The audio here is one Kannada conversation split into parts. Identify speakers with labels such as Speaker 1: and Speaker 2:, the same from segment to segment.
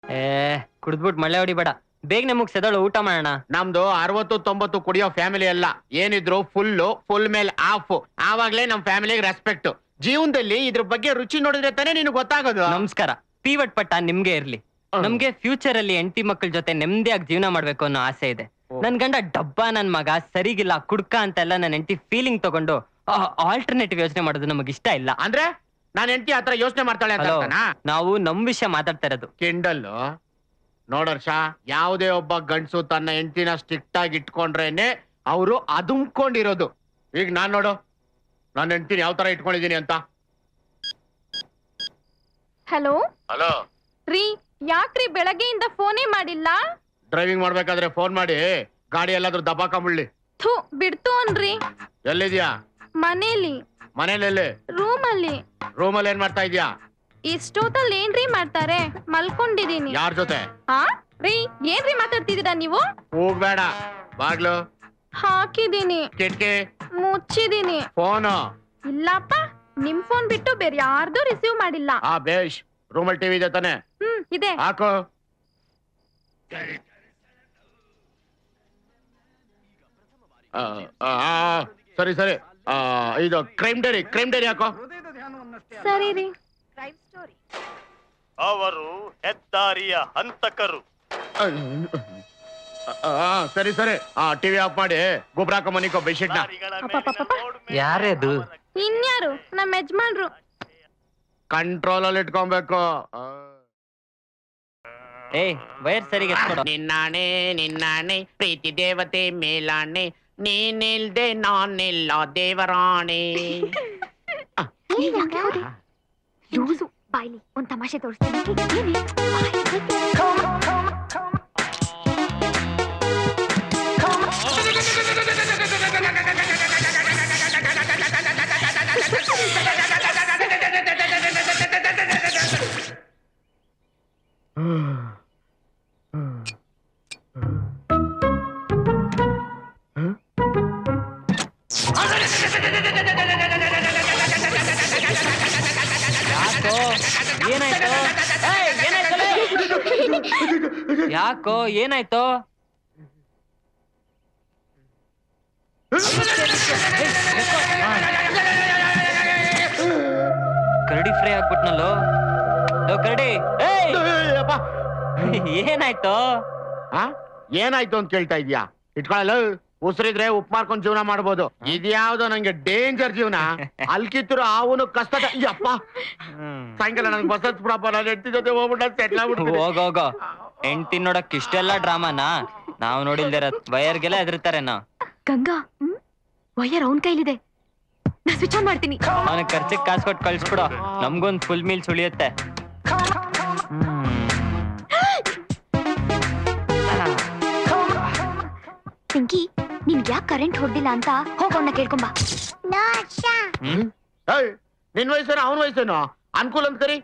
Speaker 1: ಏ ಕುಡ್ದ್ಬಿಟ್ ಮಳೆ ಹೊಡಿಬೇಡ, ಬೇಗನೆ ಮುಗ್ಸೆದಳು, ಊಟ ಮಾಡೋಣ.
Speaker 2: ನಮ್ದು 60-90 ಕುಡಿಯೋ ಫ್ಯಾಮಿಲಿ ಅಲ್ಲ, ಏನಿದ್ರು ಫುಲ್ ಮೇಲೆ ಆಫ್. ಆವಾಗ್ಲೇ ನಮ್ ಫ್ಯಾಮಿಲಿಗೆ ರೆಸ್ಪೆಕ್ಟ್. ಜೀವನದಲ್ಲಿ ಇದ್ರ ಬಗ್ಗೆ ರುಚಿ ನೋಡಿದ್ರೆ ತಾನೇ ನಿನ್ಗೆ ಗೊತ್ತಾಗೋದು.
Speaker 1: ನಮಸ್ಕಾರ. ಪೀವಟ್ ಪಟ್ಟ ನಿಮ್ಗೆ ಇರ್ಲಿ. ನಮ್ಗೆ ಫ್ಯೂಚರ್ ಅಲ್ಲಿ ಹೆಂಡತಿ ಮಕ್ಕಳ ಜೊತೆ ನೆಮ್ಮದಿಯಾಗಿ ಜೀವನ ಮಾಡ್ಬೇಕು ಅನ್ನೋ ಆಸೆ ಇದೆ. ನನ್ ಗಂಡ ಡಬ್ಬ, ನನ್ ಮಗ ಸರಿಗಿಲ್ಲ, ಕುಡ್ಕ ಅಂತೆಲ್ಲ ನನ್ ಹೆಂಡತಿ ಫೀಲಿಂಗ್ ತಗೊಂಡು ಆಲ್ಟರ್ನೇಟಿವ್ ಯೋಚನೆ ಮಾಡೋದು ನಮಗ್ ಇಷ್ಟ ಇಲ್ಲ.
Speaker 2: ಅಂದ್ರೆ ನಾನ್ ಹೆಂಡತಿ ಆತರ ಯೋಚನೆ ಮಾಡ್ತಾಳೆ ಅಂತ ಅರ್ಥನಾ?
Speaker 1: ನಾವು ನಮ್ ವಿಷಯ ಮಾತಾಡ್ತಾ ಇರೋದು.
Speaker 2: ಕಿಂಡಲ್ ನೋಡರ್ಷ, ಯಾವುದೇ ಒಬ್ಬ ಗಂಡ್ಸು ತನ್ನ ಹೆಂಡತಿನ ಸ್ಟ್ರಿಕ್ಟ್ ಆಗಿ ಇಟ್ಕೊಂಡ್ರೇನೆ ಅವರು ಅದುಮ್ಕೊಂಡಿರೋದು. ಈಗ ನಾನ್ ನೋಡು, ನನ್ನ ಹೆಂಡತಿನ ಯಾವ ತರ ಇಟ್ಕೊಂಡಿದೀನಿ ಅಂತ.
Speaker 3: ಹಲೋ
Speaker 2: ಹಲೋ
Speaker 3: ರೀ, ಯಾಕ್ರಿ ಬೆಳಗ್ಗೆಯಿಂದ ಫೋನೇ ಮಾಡಿಲ್ಲ?
Speaker 2: ಡ್ರೈವಿಂಗ್ ಮಾಡ್ಬೇಕಾದ್ರೆ ಫೋನ್ ಮಾಡಿ ಗಾಡಿ ಎಲ್ಲಾದ್ರೂ ದಬಾಕೊಂಬಿಡ್ಲಿ.
Speaker 3: ಥೂ, ಬಿಡ್ತು ಅನ್ರಿ.
Speaker 2: ಎಲ್ಲಿದ್ಯಾ?
Speaker 3: ಮನೇಲಿ.
Speaker 2: ಮನೇಲಿ?
Speaker 3: ರೂಮಲ್ಲಿ.
Speaker 2: ರೂಮಲ್ಲಿ ಏನ್ ಮಾಡ್ತಾ ಇದ್ಯಾ?
Speaker 3: ಇಷ್ಟೊತ್ತಲ್ಲಿ ಏನ್ರಿ ಮಾಡ್ತಾರೆ? ಮಲ್ಕೊಂಡಿದೀನಿ.
Speaker 2: ಯಾರ ಜೊತೆ?
Speaker 3: ಹಾ ರೀ, ಏನ್ರಿ ಮಾತಾಡ್ತಿದ್ದೀರಾ ನೀವು?
Speaker 2: ಹೋಗ್ಬೇಡ. ಬಾಗ್ಲು
Speaker 3: ಹಾಕಿದೀನಿ.
Speaker 2: ಕಿಟ್ಕಿ
Speaker 3: ಮುಚ್ಚಿದೀನಿ.
Speaker 2: ಫೋನು?
Speaker 3: ಇಲ್ಲಪ್ಪ, ನಿಮ್ ಫೋನ್ ಬಿಟ್ಟು ಬೇರೆ ಯಾರ್ದು ರಿಸೀವ್ ಮಾಡಿಲ್ಲ.
Speaker 2: ಆ ಬೇಷ್. ರೂಮಲ್ಲಿ ಟಿವಿ ಇದೆ ತಾನೆ?
Speaker 3: ಇದೆ.
Speaker 2: ಹಾಕು. ಸರಿ ಸರಿ. ಇದು ಕ್ರೈಮ್ ಡೈರಿ ಹಾಕೋ.
Speaker 3: ಸರಿ ರೀ.
Speaker 4: ಅವರು ಹೆದ್ದಾರಿಯ ಹಂತಕರು.
Speaker 2: ಸರಿ ಸರಿ. ಟಿವಿ ಆಫ್ ಮಾಡಿ ಗೊಬ್ಬರ ಹಾಕೋ ಮನಿಕೋ ಬೆಡ್ಶೀಟ್ ನ.
Speaker 1: ಯಾರದು?
Speaker 3: ಇನ್ಯಾರು? ನಮ್ಮ ಯಜಮಾನ್ರು.
Speaker 2: ಕಂಟ್ರೋಲ್ ಅಲ್ಲಿ ಇಟ್ಕೊಬೇಕು.
Speaker 1: ಏ ವೈರ್ ಸರಿಗೆ ಎತ್ಕೊಡು.
Speaker 2: ನಿನ್ನಾಣೆ ಪ್ರೀತಿ ದೇವತೆ ಮೇಲಾಣೆ, ನೀನಿಲ್ದೆ ನಾನಿಲ್ಲ ದೇವರಾಣೆ.
Speaker 5: ಲೂಸು ಬಾಯ್ಲಿ, ಒಂದ್ ತಮಾಷೆ ತೋರಿಸ್ತೀನಿ.
Speaker 1: ಯಾಕೋ ಏನಾಯ್ತು? ಕರಡಿ ಫ್ರೈ ಆಗ್ಬಿಟ್ನಲ್ಲೋ. ಕರಡಿ ಏನಾಯ್ತು?
Speaker 2: ಏನಾಯ್ತು ಅಂತ ಕೇಳ್ತಾ ಇದ್ಯಾ? ಇಟ್ಕೊಳ್ಳಲ್ಲ, ಉಸಿರಿದ್ರೆ ಉಪ್ಪು ಮಾಡ್ಕೊಂಡು ಜೀವನ ಮಾಡ್ಬೋದು. ಇದ್ಯಾವ್ದೋ ನಂಗೆ ಡೇಂಜರ್ ಜೀವನ. ಅಲ್ಕಿತ್ತರು ಅವನು ಕಷ್ಟದ. ಅಪ್ಪ, ಸಾಯಂಕಾಲ ನಂಗೆ ಬಸತ್ ಪ್ರಾಪರ್ ಹೆಂಡತಿ ಜೊತೆ ಹೋಗ್ಬಿಟ್ಟ ಸೆಟ್ಲ್ ಆಗ್ಬಿಟ್ಟು.
Speaker 1: ಹೋಗೋಗೋ, ಹೆಂಡ್ತಿ ನೋಡಕ್ ಇಷ್ಟೆಲ್ಲ ಡ್ರಾಮಾನ ನಾವ್ ನೋಡಿಲ್ದಿರ. ವಯರ್ಗೆಲ್ಲ ಹೆದರ್ತಾರೆ ನಾವ್.
Speaker 5: ಗಂಗಾ, ವಯರ್ ಅವನ್ ಕೈಲಿದೆ, ನಾ ಸ್ವಿಚ್ ಆನ್ ಮಾಡ್ತೀನಿ.
Speaker 1: ಅವನಿಗೆ ಖರ್ಚಿಗೆ ಕಾಸು ಕೊಟ್ಟು ಕಳ್ಸ್ಬಿಡು, ನಮ್ಗೊಂದ್ ಫುಲ್ ಮೀಲ್ ಸುಳಿಯುತ್ತೆ.
Speaker 5: ಪಿಂಕಿ, ನಿನ್ಗೆ ಯಾಕೆ ಕರೆಂಟ್ ಹೊಡ್ದಿಲ್ಲ ಅಂತ ಹೋಗೋಣ ಕೇಳ್ಕೊಂಬ.
Speaker 2: ನಿನ್ ವಯಸ್ಸೇನೋ ಅವನ ವಯಸ್ಸೇನೋ ಅನುಕೂಲ ಅಂತ ಕರಿ.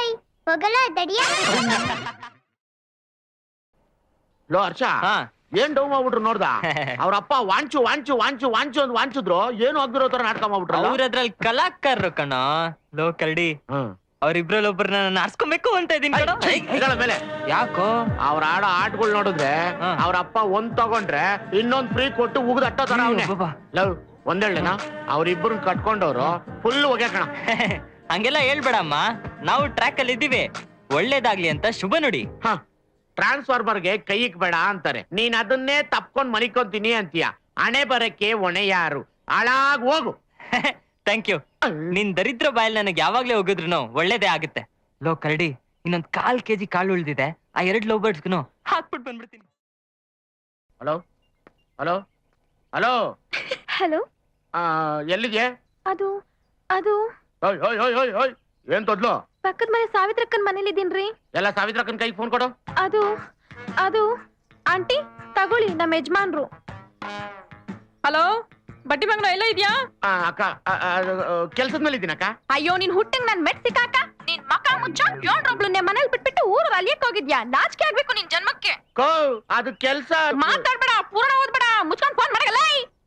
Speaker 2: ಲೋ ಹರ್ಷ, ಏನ್ ಡೌ ಮಾಡ್ಬಿಟ್ರು ನೋಡ್ದ? ಅವ್ರಪ್ಪ ವಾಂಚು ವಾಂಚು ವಾಂಚು ವಾಂಚು ಅಂತ ವಾಂಚಿದ್ರು, ಏನು ಆಗ್ದಿರೋ ತರ ನಾಟಕ ಮಾಡ್ಬಿಟ್ರು.
Speaker 1: ಅವ್ರ ಅದ್ರಲ್ಲಿ ಕಲಾಕಾರರು ಕಣ. ಲೋ ಕರಡಿ, ಅವ್ರಿಬ್ರಲ್ಲಿ ಒಬ್ಬರನ್ನ ನಾರ್ಸ್ಕೊಬೇಕು ಅಂತ ಇದೀನಿ
Speaker 2: ಮೇಲೆ.
Speaker 1: ಯಾಕೋ?
Speaker 2: ಅವ್ರ ಆಡೋ ಆಟಗಳು ನೋಡಿದ್ರೆ ಅವ್ರಪ್ಪ ಒಂದ್ ತಗೊಂಡ್ರೆ ಇನ್ನೊಂದ್ ಫ್ರೀ ಕೊಟ್ಟು ಉಗ್ದು ಅಟ್ಟೋ ತರ ಅವನೇ. ಲವ್ ಒಂದೇಳೇನಾ, ಅವ್ರಿಬ್ರು ಕಟ್ಕೊಂಡವ್ರು ಫುಲ್ ಹೊಗೆ ಕಣ.
Speaker 1: ಹಂಗೆಲ್ಲ ಹೇಳ್ಬೇಡಮ್ಮ, ನಾವು ಟ್ರ್ಯಾಕ್ ಅಲ್ಲಿ ಇದ್ದೀವಿ. ಒಳ್ಳೇದಾಗ್ಲಿ ಅಂತ ಶುಭ ನುಡಿ.
Speaker 2: ಟ್ರಾನ್ಸ್ಫಾರ್ಮರ್ಗೆ ಕೈ ಇಕ್ಬೇಡ ಅಂತಾರೆ, ನೀನ್ ಅದನ್ನೇ ತಪ್ಕೊಂಡ್ ಮನಿಕೊಂತೀನಿ ಅಂತೀಯ. ಹಣೆ ಬರಕ್ಕೆ ಹೊಣೆ ಯಾರು? ಹಾಳಾಗ್ ಹೋಗು.
Speaker 1: Thank you. ನಿನ್ ದರಿದ್ರ ಬಾಯಲ್ಲಿ ನನಗೆ ಯಾವಾಗ್ಲೇ ಹೋಗಿದ್ರು ಒಳ್ಳೇದೇ ಆಗುತ್ತೆ. ಲೋ ಕರಡಿ, ಇನ್ನೊಂದ್ 1/4 kg ಕಾಳು ಉಳ್ದಿದೆ, ಆ 2 ಲವ್ ಬರ್ಡ್ಸ್ಗೂ ಹಾಕ್ಬಿಟ್ಟು ಬಂದ್ಬಿಡ್ತೀನಿ.
Speaker 2: ಹಲೋ ಹಲೋ ಹಲೋ
Speaker 5: ಹಲೋ,
Speaker 2: ಎಲ್ಲಿಗೆ?
Speaker 5: ಅದು ಅದು
Speaker 2: ಏನ್ ತೊದ್ಲು?
Speaker 3: ಪಕ್ಕದ ಮನೆ ಸಾವಿತ್ರಕ್ಕನ್ ಮನೇಲಿ ಇದೀನ್ರಿ.
Speaker 2: ಎಲ್ಲ ಸಾವಿತ್ರಕ್ಕನ್ ಕೈಗೆ ಫೋನ್ ಕೊಡು.
Speaker 3: ಅದು ಅದು ಆಂಟಿ ತಗೊಳ್ಳಿ, ನಮ್ಮ ಯಜಮಾನ್ರು. ಹಲೋ, ಬಟ್ಟಿ ಬಂಗ್ಲ ಎಲ್ಲ ಇದ್ಯಾ?
Speaker 2: ಅಕ್ಕ, ಕೆಲ್ಸದ ಮೇಲೆ ಇದ್ದೀನಕ್ಕ.
Speaker 3: ಅಯ್ಯೋ, ನೀನ್ ಹುಟ್ಟಂಗ್ ನನ್ ಮೆಟ್ ಸಿಕ್ಕಾಕ. ನಿನ್ ಮಕ ಮುಚ್ಚ, ಏಳ್ರೊಬ್ಳನ್ನೇ ಮನೇಲಿ ಬಿಟ್ಬಿಟ್ಟು ಊರು ಅಲಿಯಕ್ ಹೋಗಿದ್ಯಾ? ನಾಚಿಕೆ ಆಗ್ಬೇಕು ನಿನ್ ಜನ್ಮಕ್ಕೆ.
Speaker 2: ಅದು ಕೆಲ್ಸ.
Speaker 3: ಮಾತಾಡ್ಬೇಡ, ಪೂರ್ಣ ಓದ್ಬೇಡ, ಮುಚ್ಕೊಂಡ್ ಫೋನ್ ಮಾಡಲ್ಲ.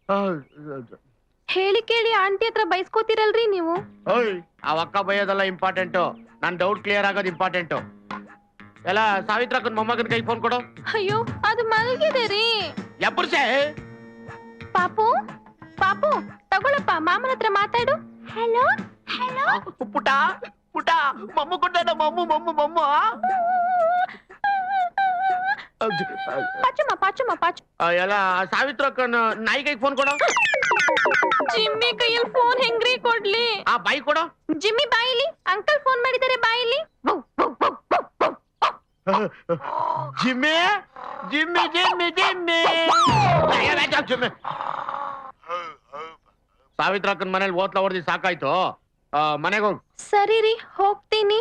Speaker 3: ಹೇಳಿ ಕೇಳಿ ಆಂಟಿ ಹತ್ರ ಬೈಸ್ಕೋತಿರಲ್ರಿ ನೀವು.
Speaker 2: ಅಕ್ಕ ಬೈಯೋದೆಲ್ಲ ಇಂಪಾರ್ಟೆಂಟು, ನನ್ ಡೌಟ್ ಕ್ಲಿಯರ್ ಆಗೋದು ಇಂಪಾರ್ಟೆಂಟು. ಎಲ್ಲ ಸಾವಿತ್ರಕ್ಕನ್ ಮೊಮ್ಮಗನ ಕೈ ಫೋನ್ ಕೊಡು.
Speaker 3: ಅಯ್ಯೋ ಅದು ಮಲಗಿದೆ ರೀ.
Speaker 2: ಎಬ್ಬರ್ಸೆ.
Speaker 3: ಪಾಪು ಪಾಪು ತಗೊಳಪ್ಪ, ಮಾಮನ ಹತ್ರ ಮಾತಾಡು. Hello hello.
Speaker 2: ಪುಟ ಪುಟ ಮಮ್ಮು ಕೊಟ್ಟ ಮಮ್ಮು.
Speaker 3: ಪಾಚಮ್ಮ ಪಾಚಮ್ಮ ಪಾಚು.
Speaker 2: ಎಲ್ಲ ಸಾವಿತ್ರಕ್ಕನ್ ನಾಯಿ ಕೈ ಫೋನ್ ಕೊಡು.
Speaker 3: ಜಿಮ್ಮಿ ಕೈಯಲ್ಲಿ ಫೋನ್ ಹೆಂಗ್ರಿ ಕೊಡ್ಲಿ?
Speaker 2: ಆ ಬಾಯಿ ಕೊಡು.
Speaker 3: ಜಿಮ್ಮಿ ಬಾಯಿಲಿ. ಅಂಕಲ್ ಫೋನ್ ಮಾಡಿದ್ದಾರೆ ಬಾಯಿಲಿ.
Speaker 2: Jimmy Jimmy Jimmy Jimmy Jimmy. ಸಾವಿತ್ರಕ್ಕನ್ ಮನೇಲಿ ಓತ್ಲ ಹೊಡೆದಿ ಸಾಕಾಯ್ತು. ಮನೆಗೆ ಹೋಗು.
Speaker 3: ಸರಿ ರೀ, ಹೋಗ್ತೀನಿ.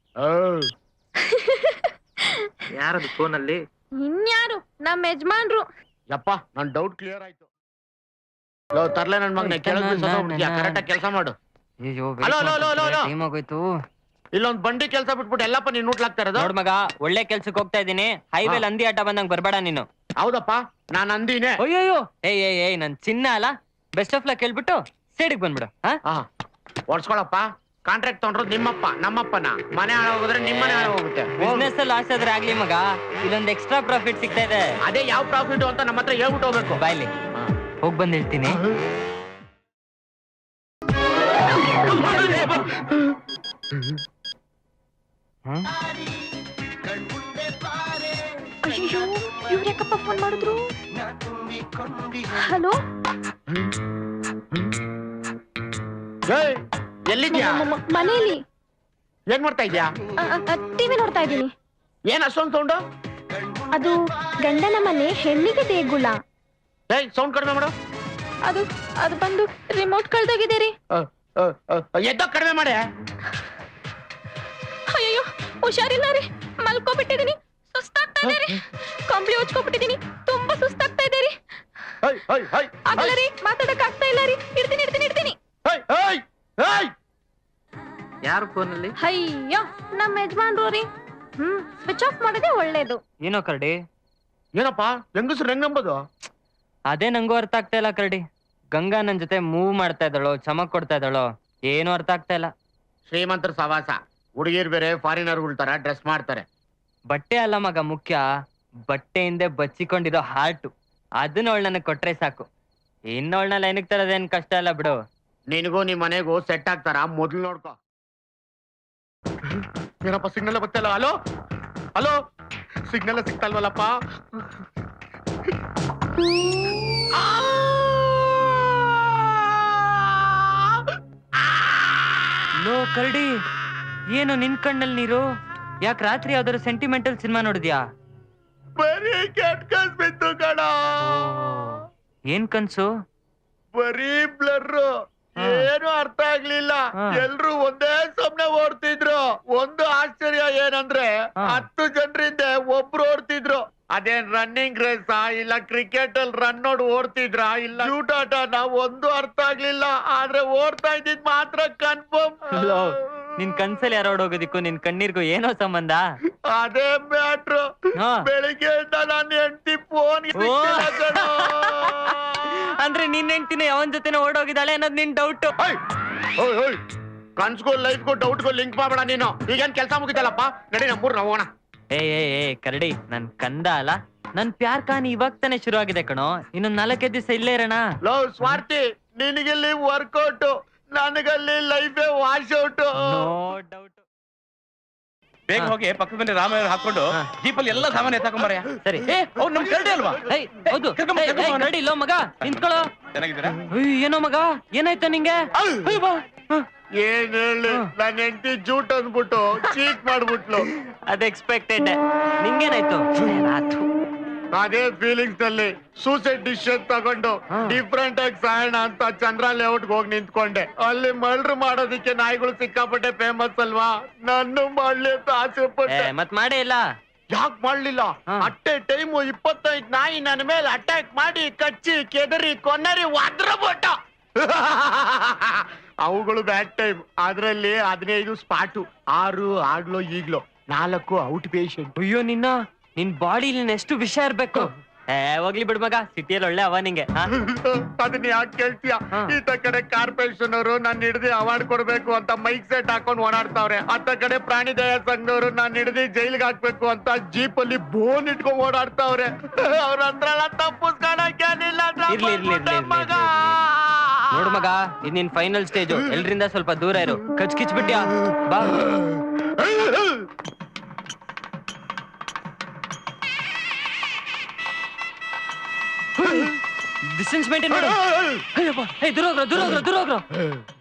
Speaker 1: ಯಾರದು ಫೋನಲ್ಲಿ?
Speaker 3: ಇನ್ಯಾರು? ನಮ್ಮ ಯಜಮಾನ್ರು.
Speaker 2: ಯಪ್ಪ ನನ್ ಡೌಟ್ ಕ್ಲಿಯರ್ ಆಯ್ತು. ತರ್ಲೆ ನನ್ ಮಗನೇ ಕರೆಕ್ಟ್ ಕೆಲಸ ಮಾಡು.
Speaker 1: ಅಯ್ಯೋ
Speaker 2: hello, hello, hello, hello.
Speaker 1: Time ಆಗೋಯ್ತು.
Speaker 2: ಇಲ್ಲೊಂದ್ ಬಂಡಿ ಕೆಲಸ ಬಿಟ್ಬಿಟ್ಟು ಎಲ್ಲಪ್ಪ ನೀನ್ ಊಟ್ಲಾಗ್ತಾ ಇರೋದು?
Speaker 1: ನೋಡ್ ಮಗ, ಒಳ್ಳೆ ಕೆಲ್ಸಕ್ಕೆ ಹೋಗ್ತಾ ಇದೀನಿ. ಹೈವೇಲ್ ಅಂದಿ ಆಟ ಬಂದಂಗ್ ಬರ್ಬೇಡ ನೀನು.
Speaker 2: ಹೌದಪ್ಪ, ನಾನ್ ಅಂದಿನೇ.
Speaker 1: ಅಯ್ಯೋ ಏಯ್ ನನ್ ಚಿನ್ನ ಅಲ್ಲ. ಬೆಸ್ಟ್ ಆಫ್ ಲಕ್ ಹೇಳ್ಬಿಟ್ಟು ಸೈಡಿಗೆ ಬಂದ್ಬಿಡು.
Speaker 2: ಓಡ್ಸ್ಕೊಳಪ್ಪ. ಕಾಂಟ್ರಾಕ್ಟ್ ತಗೊಂಡ್ರು ನಿಮ್ಮಪ್ಪ ನಮ್ಮಪ್ಪನ. ಮನೆ ಹಾಳಾಗೋದ್ರೆ ನಿಮ್ಮನೆ ಹಾಳಾಗೋಗುತ್ತೆ.
Speaker 1: ಬಿಸ್ನೆಸ್ ಅಲ್ಲಿ ಲಾಸ್ ಆದ್ರೆ ಆಗ್ಲಿ ಮಗ, ಇಲ್ಲೊಂದ್ ಎಕ್ಸ್ಟ್ರಾ ಪ್ರಾಫಿಟ್ ಸಿಗ್ತಾ ಇದೆ.
Speaker 2: ಅದೇ ಯಾವ ಪ್ರಾಫಿಟ್ ಅಂತ ನಮ್ಮ ಹತ್ರ ಹೇಳ್ಬಿಟ್ಟು ಹೋಗ್ಬೇಕು.
Speaker 1: ಬಾಯ್ಲಿ ಹೋಗ್ ಬಂದ್ ಹೇಳ್ತೀನಿ.
Speaker 3: ಅಯ್ಯೋ ಇವ್ರ್ಯಾಕಪ್ಪ ಫೋನ್ ಮಾಡಿದ್ರು? ಹಲೋ,
Speaker 2: ಎಲ್ಲಿದ್ಯಾ?
Speaker 3: ಮನೇಲಿ.
Speaker 2: ಏನ್ ಮಾಡ್ತಾ ಇದ್ಯಾ?
Speaker 3: ಟಿವಿ ನೋಡ್ತಾ ಇದ್ದೀನಿ.
Speaker 2: ಏನ್ ಅಷ್ಟೊಂದು ಸೌಂಡು?
Speaker 3: ಅದು ಗಂಡನ ಮನೆ ಹೆಣ್ಣಿಗೆ ದೇಗುಲ.
Speaker 2: ಸೌಂಡ್ ಕಡಿಮೆ ಮಾಡು.
Speaker 3: ಅದು ಅದು ಬಂದು ರಿಮೋಟ್ ಕಳ್ದೋಗಿದೆ ರೀ.
Speaker 2: ಎದ್ದೋ ಕಡಿಮೆ ಮಾಡಿ.
Speaker 3: ಅಯ್ಯೋ ಹುಷಾರಿಲ್ಲ ರೀ, ಮಲ್ಕೋಬಿಟ್ಟಿದೀನಿ. ಸುಸ್ತಾಗ್ತಾ ಇದೆ ರೀ. ಕಂಬ್ಳಿ ಹೊಚ್ಕೊಬಿಟ್ಟಿದೀನಿ. ತುಂಬಾ ಸುಸ್ತಾಗ್ತಾ ಇದೆ ರೀ. ಆಗಲ್ಲ ರೀ, ಮಾತಾಡಕ್ ಆಗ್ತಾ ಇಲ್ಲ ರೀ. ಇಡ್ತೀನಿ.
Speaker 1: ಯಾರು ಫೋನಲ್ಲಿ?
Speaker 3: ಅಯ್ಯೋ ನಮ್ಮ ಯಜಮಾನ್ರು ರೀ. ಸ್ವಿಚ್ ಆಫ್ ಮಾಡೋದೇ ಒಳ್ಳೇದು.
Speaker 1: ಏನೋ ಕರಡಿ?
Speaker 2: ಏನಪ್ಪ ಹೆಂಗಸ್ರು ಹೆಂಗಂಬೋದು?
Speaker 1: ಅದೇ ನಂಗೂ ಅರ್ಥ ಆಗ್ತಾ ಇಲ್ಲ ಕರಡಿ. ಗಂಗಾ ನನ್ ಜೊತೆ ಮೂವ್ ಮಾಡ್ತಾ ಇದ್ದಾಳೋ, ಚಮಕ್ ಕೊಡ್ತಾ ಇದ್ದಾಳೋ, ಏನು ಅರ್ಥ ಆಗ್ತಾ ಇಲ್ಲ.
Speaker 2: ಶ್ರೀಮಂತರ ಸವಾಸ. ಹುಡುಗಿರ್ ಬೇರೆ ಫಾರಿನರ್ಗಳ ತರ ಡ್ರೆಸ್ ಮಾಡ್ತಾರೆ.
Speaker 1: ಬಟ್ಟೆ ಅಲ್ಲ ಮಗ ಮುಖ್ಯ, ಬಟ್ಟೆ ಹಿಂದೆ ಬಚ್ಚಿಕೊಂಡಿರೋ ಹಾರ್ಟು. ಅದನ್ನ ಅವಳು ನನಗ್ ಕೊಟ್ರೆ ಸಾಕು. ಇನ್ನೊಳ್ನ ಲೈನಿಗೆ ತರೋದೇನ್ ಕಷ್ಟ ಅಲ್ಲ ಬಿಡು.
Speaker 2: ನಿನಗೂ ನಿಮ್ ಮನೆಗೂ ಸೆಟ್ ಆಗ್ತಾರ ಮೊದ್ಲು ನೋಡ್ಕೊ. ಏನಪ್ಪ ಸಿಗ್ನಲ್ ಬರ್ತಲ್ಲ? ಹಲೋ ಹಲೋ, ಸಿಗ್ನಲ್ ಸಿಗ್ತಲ್ವಲ್ಲಪ್ಪ?
Speaker 1: ಲೋ ಕರಡಿ, ಏನು ನಿನ್ ಕಣ್ಣಲ್ಲಿ ನೀರು? ಯಾಕೆ ರಾತ್ರಿ ಯಾವ್ದಾದ್ರು ಸೆಂಟಿಮೆಂಟಲ್ ಸಿನಿಮಾ ನೋಡಿದ್ಯಾ?
Speaker 2: ಬರೀ ಕೆಟ್ಟ ಕನ್ಸ್ ಬಿತ್ತು ಕಣ.
Speaker 1: ಏನ್ ಕನ್ಸು?
Speaker 2: ಬರೀ ಬ್ಲರ್. ಏನು ಅರ್ಥ ಆಗ್ಲಿಲ್ಲ. ಎಲ್ರು ಒಂದೇ ಸಮನೆ ಓಡ್ತಿದ್ರು. ಒಂದು ಆಶ್ಚರ್ಯ ಏನಂದ್ರೆ 10 ಜನರಿಂದ ಒಬ್ರು ಓಡ್ತಿದ್ರು. ಅದೇನ್ ರನ್ನಿಂಗ್ ರೇಸ್ ಇಲ್ಲ ಕ್ರಿಕೆಟ್ ಅಲ್ಲಿ ರನ್ ನೋಡ್ ಓಡ್ತಿದ್ರ ಇಲ್ಲ ಶೂಟಾಟ, ನಾವು ಒಂದು ಅರ್ಥ ಆಗ್ಲಿಲ್ಲ. ಆದ್ರೆ ಓಡ್ತಾ ಇದ್ದಿದ್ ಮಾತ್ರ ಕನ್ಫರ್ಮ್.
Speaker 1: ನಿನ್ ಕನ್ಸಲ್ಲಿ ಯಾರೋ ಹೋಗೋದಿಕ್ಕೂ ನಿನ್ ಕಣ್ಣೀರ್ಗೂ ಏನೋ ಸಂಬಂಧ?
Speaker 2: ಅದೇ ಮ್ಯಾಟ್ರು. ಬೆಳಿಗ್ಗೆ ನಾನು ಹೆಂಡತಿ ಫೋನ್
Speaker 1: ಅಂದ್ರೆ ನಿನ್ ಹೆಂಡ್ತಿನ ಅವನ್ ಜೊತೆನೆ ಓಡೋಗಿದ್ದಾಳೆ ಅನ್ನೋದ್ ನಿನ್ ಡೌಟ್.
Speaker 2: ಕನ್ಸ್ಗೂ ಲೈಫ್ಗೂ ಡೌಟ್ಗೂ ಲಿಂಕ್ ಮಾಡಬೇಡ ನೀನು. ಈಗೇನ್ ಕೆಲಸ ಮುಗಿತಲ್ಲಪ್ಪ, ನಡಿ ನಮ್ಮೂರ್ ನಾವು ಹೋಗೋಣ.
Speaker 1: ಏ ಕರಡಿ, ನನ್ ಕಂದ ಅಲ್ಲ. ನನ್ ಪ್ಯಾರ್ ಕಹಾನಿ ಇವಾಗ ತಾನೆ ಶುರು ಆಗಿದೆ ಕಣೋ. ಇನ್ನೊಂದ್ 4 ದಿವಸ ಇಲ್ಲೇ ಇರೋಣ.
Speaker 2: ಲವ್ ಸ್ವಾರ್ಥಿ, ನಿನಗಿಲ್ಲಿ ವರ್ಕೌಟ್, ನನಗಲ್ಲಿ ಲೈಫೇ ವಾಶ್ ಔಟ್.
Speaker 1: No doubt.
Speaker 6: ಬೇಗ ಹೋಗಿ ಪಕ್ಕದ ಮನೆ ರಾಮಾಯಣ ಹಾಕೊಂಡು ಜೀಪಲ್ಲಿ ಎಲ್ಲ ಸಾಮಾನು ಎತ್ತಾಕೊಂಬಾರಯ್ಯ.
Speaker 1: ಸರಿ.
Speaker 6: ಅವ್ರು ನಮ್ ಕರಡಿ ಅಲ್ವಾ?
Speaker 1: ಹೌದು ಕರಡಿ. ಲೋ ಮಗ ನಿಂತ್ಕೊಳ್ಳೋ.
Speaker 6: ಚೆನ್ನಾಗಿದ್ದೀರಾ?
Speaker 1: ಏನೋ ಮಗ, ಏನಾಯ್ತ ನಿಂಗೆ?
Speaker 2: ಏನ್ ಹೇಳಿ, ನನ್ನ ಹೆಂಡತಿ ಜೂಟ್ ಅಂದ್ಬಿಟ್ಟು ಚೀಟ್ ಮಾಡ್ಬಿಟ್ಲು.
Speaker 1: ಅದ್ ಎಕ್ಸ್ಪೆಕ್ಟೆಡ್. ನಿಂಗೇನಾಯ್ತು?
Speaker 2: ಅದೇ ಫೀಲಿಂಗ್ಸ್ ನಲ್ಲಿ ಸೂಸೈಡ್ ಡಿಸಿಷನ್ ತಗೊಂಡು ಡಿಫ್ರೆಂಟ್ ಆಗಿ ಸಾಯೋಣ ಅಂತ ಚಂದ್ರ ಲೇಔಟ್ಗೆ ಹೋಗಿ ನಿಂತ್ಕೊಂಡೆ. ಅಲ್ಲಿ ಮರ್ಡರ್ ಮಾಡೋದಿಕ್ಕೆ ನಾಯಿಗಳು ಸಿಕ್ಕಾಪಟ್ಟೆ ಫೇಮಸ್ ಅಲ್ವಾ. ನಾನು ಮಾಡ್ಲಿ ಅಂತ ಆಸೆ ಪಟ್ಟೆ.
Speaker 1: ಮತ್ ಮಾಡೇ ಇಲ್ಲ.
Speaker 2: ಯಾಕೆ ಮಾಡ್ಲಿಲ್ಲ? ಅಟ್ಟೆ ಟೈಮು 25 ನಾಯಿ ನನ್ನ ಮೇಲೆ ಅಟ್ಯಾಕ್ ಮಾಡಿ ಕಚ್ಚಿ ಕೆದರಿ ಕೊನ್ನರಿ ಒದ್ರಬಿಟ್ಟ. ಅವುಗಳು ಬ್ಯಾಡ್ ಟೈಮ್. ಅದ್ರಲ್ಲಿ 15 ಸ್ಪಾಟು, 6 ಆಗ್ಲೋ ಈಗ್ಲೋ, 4 ಔಟ್ ಪೇಷಂಟ್.
Speaker 1: ಅಯ್ಯೋ ನಿನ್ ಬಾಡಿ ಎಷ್ಟು ವಿಷಯ ಇರ್ಬೇಕು. ಹೋಗ್ಲಿ ಬಿಡ್ ಮಗ, ಸಿಟಿಯಲ್ಲಿ ಒಳ್ಳೆ ಅವ ನಿಂಗೆ.
Speaker 2: ಅದನ್ನ ಯಾಕೆ ಕೇಳ್ತೀಯ?
Speaker 1: ಹಾ.
Speaker 2: ಈತ ಕಡೆ ಕಾರ್ಪೊರೇಷನ್ ಅವರು ನನ್ನ ಹಿಡಿದು ಅವಾರ್ಡ್ ಕೊಡ್ಬೇಕು ಅಂತ ಮೈಕ್ ಸೆಟ್ ಹಾಕೊಂಡು ಓಡಾಡ್ತಾವ್ರೆ. ಅತ್ತ ಕಡೆ ಪ್ರಾಣಿ ದಯಾ ಸಂಘದವರು ನನ್ನ ಹಿಡಿದು ಜೈಲ್ಗೆ ಹಾಕ್ಬೇಕು ಅಂತ ಜೀಪ್ ಅಲ್ಲಿ ಬೋನ್ ಇಟ್ಕೊಂಡ್ ಓಡಾಡ್ತಾವ್ರೆ. ಅವ್ರ ಹತ್ರ ತಪ್ಪಿಸ್ಕೊಳಕ್ಕೇನಿಲ್ಲ
Speaker 1: ಇರ್ಲಿ, ಇರ್ಲಿ, ಇರ್ಲಿ, ಇರ್ಲಿ,
Speaker 2: ಮಗ.
Speaker 1: ನೋಡು ಮಗ, ಇದು ನಿನ್ ಫೈನಲ್ ಸ್ಟೇಜು. ಎಲ್ರಿಂದ ಸ್ವಲ್ಪ ದೂರ ಇರು. ಕಿಚ್ಬಿಟ್ಯಾ ಬಾ. ಡಿಸ್ಟೆನ್ಸ್ ಮೇಂಟೈನ್ ಮಾಡು. ಅಯ್ಯಪ್ಪ, ದೂರ ಹೋಗ್ರೋ.